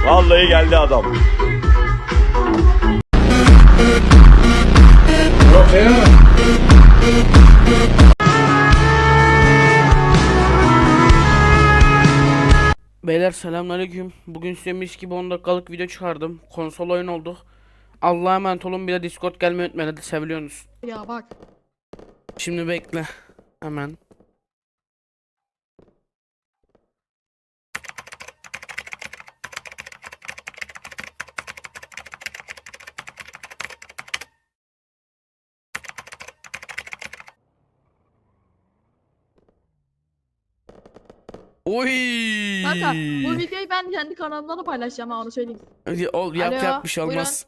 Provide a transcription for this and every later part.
Vallahi geldi adam. Beyler selamünaleyküm. Bugün size mis gibi 10 dakikalık video çıkardım. Konsol oyun olduk. Allah'a emanet olun, bir de Discord gelmeyi unutmayın, hadi seviliyorsunuz. Ya bak. Şimdi bekle. Hemen. Oy. Kanka bu videoyu ben kendi kanalımda da paylaşacağım, ha onu söyleyeyim. Hadi yap Alo, yap, bir şey olmaz.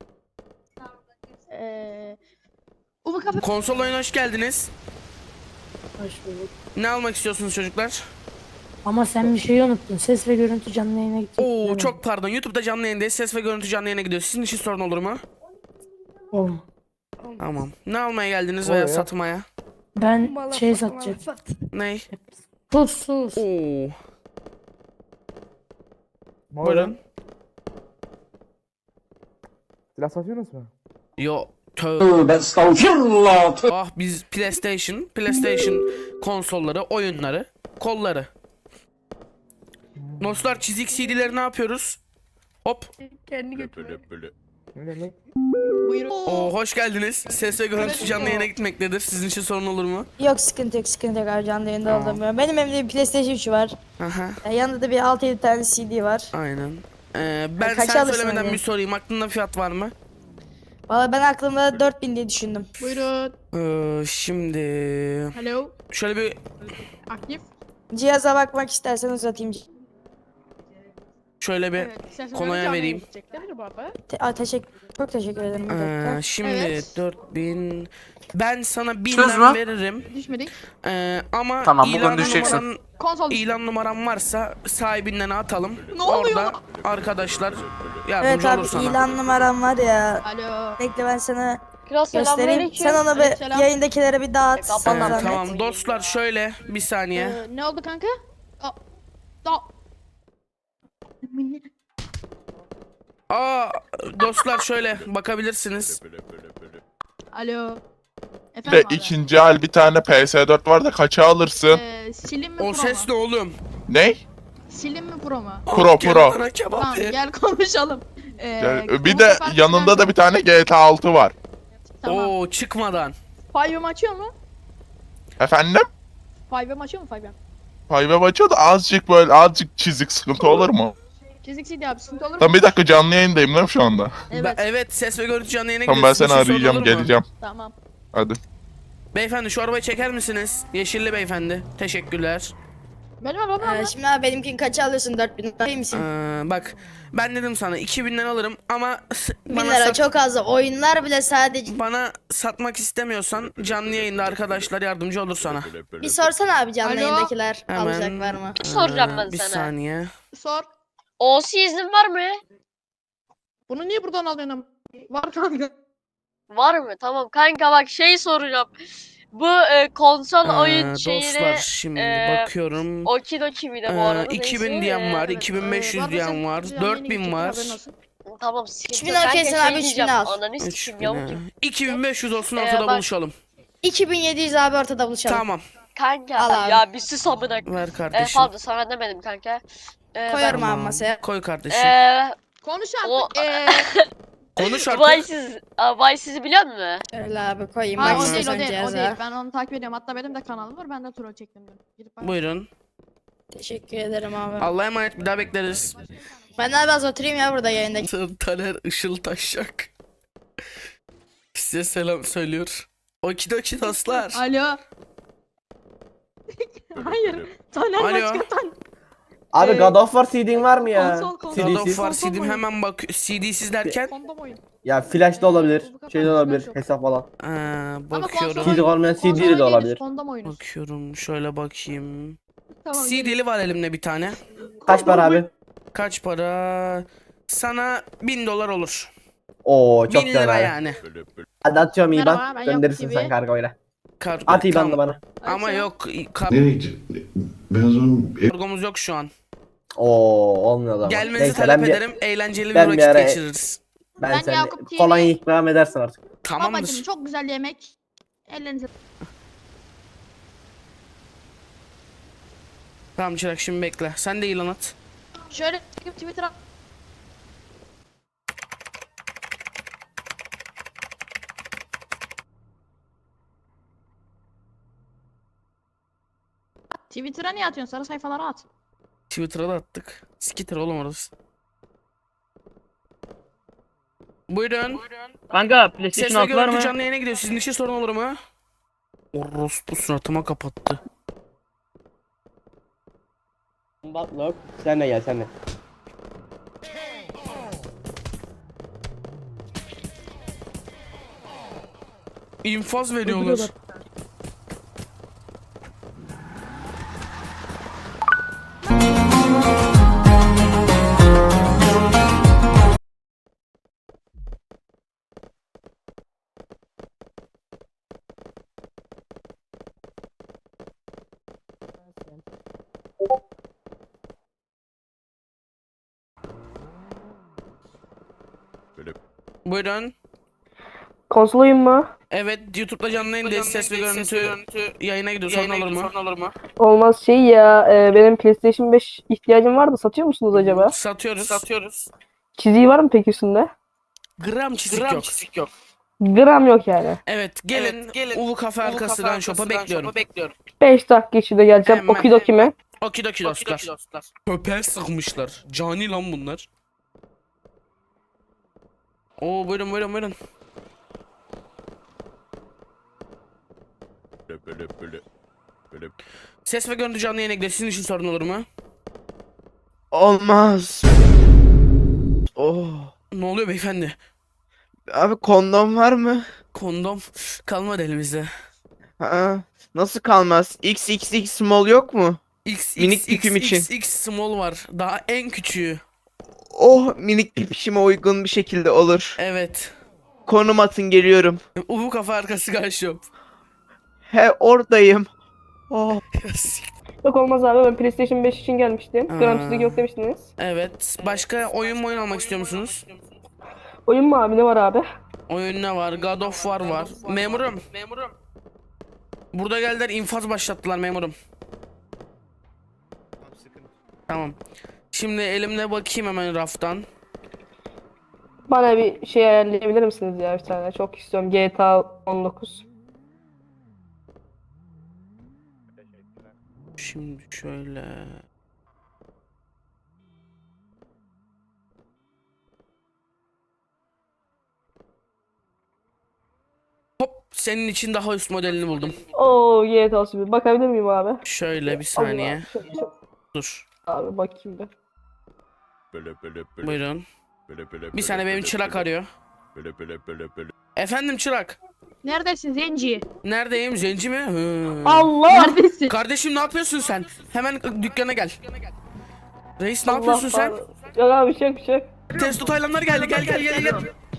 Umu kafe. Konsol oyuna hoş geldiniz. Hoş bulduk. Ne almak istiyorsunuz çocuklar? Ama sen bir şeyi unuttun. Ses ve görüntü canlı yayına gidecek. Oo çok pardon, YouTube'da canlı yayındayız. Ses ve görüntü canlı yayına gidiyor. Sizin için sorun olur mu? Olma. Tamam. Ne almaya geldiniz veya satmaya? Ben şey satacağım. Ney? Sus. Oo. Buyurun. Silah satıyorsunuz mu? Yo. Tövbe estağfirullah. Ah, biz PlayStation konsolları, oyunları, kolları. Dostlar, çizik CD'leri ne yapıyoruz? Hop. Kendi götürüyor. Ne demek? Buyurun. Oo, hoş geldiniz. Ses ve görüntü canlı yayına gitmektedir. Sizin için sorun olur mu? Yok, sıkıntı yok abi, canlı yayında Tamam. oldum. Benim evimde bir PlayStation 3 var. Aha. Yanında da bir 6-7 tane CD var. Aynen. Ben Kaça sen alırsın söylemeden hani? bir sorayım. Aklında fiyat var mı? Valla ben aklımda 4000 diye düşündüm. Buyurun. Şimdi Hello. şöyle bir Aktif. Cihaza bakmak istersen uzatayım. şöyle bir Evet. istersen konuya canlı vereyim. gidecekler bu arada. Çok teşekkür ederim. Bir dakika. Şimdi Evet. 4000, ben sana Söz 1000'den mü? veririm. Düşmedik. Ama Tamam, bugün ilan düşeceksin. numaran, Konsol. ilan numaran varsa sahibinden atalım. Ne oluyor Orada lan? arkadaşlar Evet yardımcı abi, olur sana. ilan numaram var ya. Alo. Bekle, ben sana Kral göstereyim. selamünaleyküm. Sen onu Aleykümselam. bir yayındakilere bir dağıt. Kapan sana lan. zahmet. Tamam dostlar, şöyle bir saniye. Ne oldu kanka? Aa. Dostlar şöyle bakabilirsiniz. Alo. De Efendim abi. ikinci el bir tane PS4 var da kaça alırsın? Silin mi O pro ses mu? ne oğlum? Ne? Silin mi pro mu? Pro Gel Pro. bana kebap Tamam, ye. gel konuşalım. Bir de yanında da bir tane GTA 6 var. Tamam. Oo, çıkmadan. Five'ım açıyor mu? Efendim? Five'ım açıyor mu Five'ım? Five açıyor da azıcık çizik sıkıntı olur mu? Çizik CD abi, sıkıntı olur mu? Tamam, bir dakika, canlı yayındayım değil mi şu anda? Evet. Evet, ses ve görüntü canlı yayına Tamam, ben gidiyor. seni Sizin için sorun arayacağım, olur mu? geleceğim. Tamam. Hadi. Beyefendi, şu arabayı çeker misiniz? Yeşilli beyefendi. Teşekkürler. Benim arabam Şimdi abi benimkini kaça alıyorsun? 4000 değil misin? Bak, ben dedim sana 2000'den alırım ama 1000 lira çok az. Oyunlar bile sadece. bana satmak istemiyorsan canlı yayında arkadaşlar yardımcı olur sana. Bir sorsana abi, canlı Alo? yayındakiler Hemen. alacaklar mı? Soracağım ben Bir sana. saniye. Sor. OC iznin var mı? Bunu niye buradan alıyorsun? Var kanka. Var mı? Tamam kanka, bak şey soracağım. Bu konsol oyun Dostlar, şeyini şimdi e, bakıyorum. Okidoki mi de bu arada? 2000 neyse, diyen var, evet. 2500 Var diyen mesela, var, canlı yayına 4000 gidecekler, var. haberin olsun. Tamam, sıkıntı 3000 yok. Kanka, okeysen şey abi, 3000 diyeceğim, al. Ananı 3000, sikeyim yavuk gibi. 2500 olsun, ortada bak- buluşalım. 2700 abi, ortada buluşalım. Tamam, Kanka Al abi. ya bir sus amına. ver kardeşim. Pardon, sana demedim kanka. Koyarım Tamam, abi masaya. koy kardeşim. Konuş O- artık. Konuş artık. Vay sizi biliyor musun? Öyle abi, koyayım. Hayır, Bak o değil, istiyorsan o değil, o cihaza. değil. Ben onu takip ediyorum. Hatta benim de kanalım var. Ben de troll çektim dün. Gidip bak. Buyurun. Teşekkür ederim abi. Allah'a emanet, bir daha bekleriz. Ben abi az oturayım ya burada yayında. Taner Işıl Taşak size selam söylüyor. Okidoki dostlar. Alo. Hayır. Taner Alo. başka Taner. Abi God of War CD'in var mı ya? Konsol, konsol. God of CD'siz. War Konsol CD'm oyun. hemen bak, CD'siz derken Kondom oyun. Ya flash da olabilir, Bu kadar şey de olabilir, flash yok. hesap falan. Ama bakıyorum. CD olmayan konsol CD de oyunu olabilir. değiliz, kondom oyunu. Bakıyorum, şöyle bakayım. Tamam. CD'li var elimde bir tane. Kaç para abi? Kaç para? Sana 1000 dolar olur. Oo, 1000 çok güzel lira abi. yani. Hadi atıyorum Merhaba, IBAN, ben gönderirsin Yok sen TV. kargoyla. Kargo, At IBAN'ını tamam. bana. Ama yok, Nereye gidecek? Ben o zaman kargomuz yok şu an. Oo olmuyor o zaman. Gelmenizi Neyse, talep ben bir- ederim. Eğlenceli bir ben bir vakit ara- geçiririz. Ben Ben sen Yakup TV. kolonya ikram edersin artık. Babacım Tamamdır. çok güzel yemek. Ellerinize. Tamam Çırak şimdi bekle. Sen de ilan at. Şöyle çekip Twitter'a. Twitter'a niye atıyorsun? Sarı sayfalara at. Twitter'a da attık. Skitter oğlum orası. Buyurun. Kanka Ses PlayStation ve 6 var görüntü mı? canlı yayına gidiyor. Sizin için sorun olur mu? Orospu suratıma kapattı. Butlock. Sen de gel sen de. İnfaz veriyorlar. Buyurun. Konsol oyun mu? Evet, YouTube'da canlı yayındayız. Ses ve görüntü yayına gidiyor. Sorun olur mu? Olmaz şey ya benim PlayStation 5 ihtiyacım vardı, satıyor musunuz acaba? Satıyoruz. Çiziği var mı peki üstünde? Gram çizik yok. Gram yok yani. Evet, gelin. Ulu Kafe arkası Gun Shop'a bekliyorum. 5 dakika içinde geleceğim. Hemen. Okidoki mi? Okidoki dostlar. Köpeğe sıkmışlar. Cani lan bunlar. Oo buyurun. Ses ve görüntü canlı yayına gidiyor. Sizin için sorun olur mu? Olmaz. Oh. Ne oluyor beyefendi? Abi kondom var mı? Kondom kalmadı elimizde. Ha, nasıl kalmaz? XXX small yok mu? Minik tüküm için. XX small var. Daha en küçüğü. Oh, minik pipişime uygun bir şekilde olur. Evet. Konum atın, geliyorum. Ulu Kafe arkası Gun Shop. He, oradayım. Oh. Yok olmaz abi, ben PlayStation 5 için gelmiştim. Gram Aa. çizik yok demiştiniz. Evet. Başka oyun almak istiyor musunuz? Oyun mu abi, ne var abi? Oyun ne var? God of War var. Memurum. Burada geldiler, infaz başlattılar memurum. Tamam. Şimdi elimde bakayım hemen raftan. Bana bir şey ayarlayabilir misiniz ya, bir tane? Çok istiyorum, GTA 19. Şimdi şöyle. Hop, senin için daha üst modelini buldum. Oo, GTA Süper. Bakabilir miyim abi? Şöyle bir saniye. Allah, çok Dur. abi bakayım bir. Buyurun. Bir saniye, benim çırak arıyor. Efendim çırak. Neredesin Zenci? Neredeyim? Zenci mi? Hı. Allah! Neredesin? Kardeşim ne yapıyorsun sen? Hemen dükkana gel. Reis ne yapıyorsun sen? Yok abi, bir şey yok. Testo Taylanlar geldi. Gel.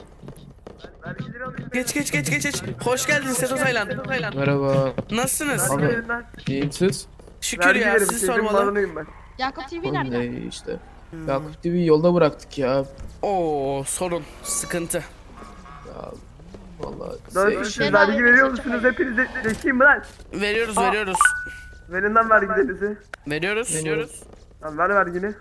Geç. Hoş geldin Seto Taylan. Merhaba. Nasılsınız? Abi, iyiyim siz? Şükür ya, siz sormalı. Yakup TV Oğlum nerede? ne işte. Yakup TV yolda bıraktık ya. Oo, sorun, sıkıntı. Ya vallahi Siz vergi veriyor musunuz? Hepiniz zekiyim mi lan? Veriyoruz. Verin lan vergilerinizi. Veriyoruz. Lan ver vergini.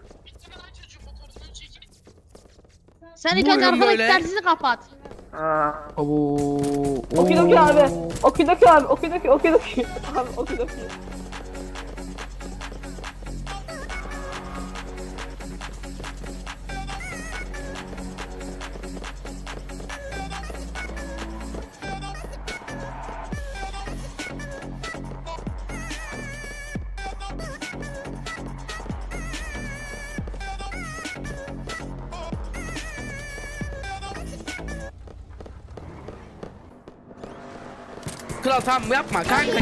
Sen ilk Buyurun önce arkadaki böyle. telsizi kapat. Abo. Okidoki abi. Okidoki. Abi okidoki. Kral tamam yapma kanka.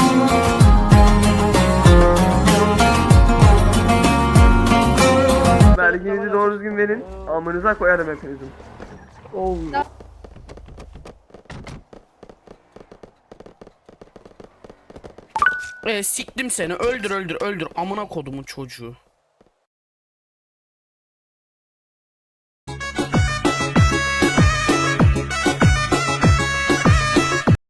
Verginizi doğru düzgün verin. Amınıza koyarım hepinizin. Siktim seni, öldür amına kodumun çocuğu.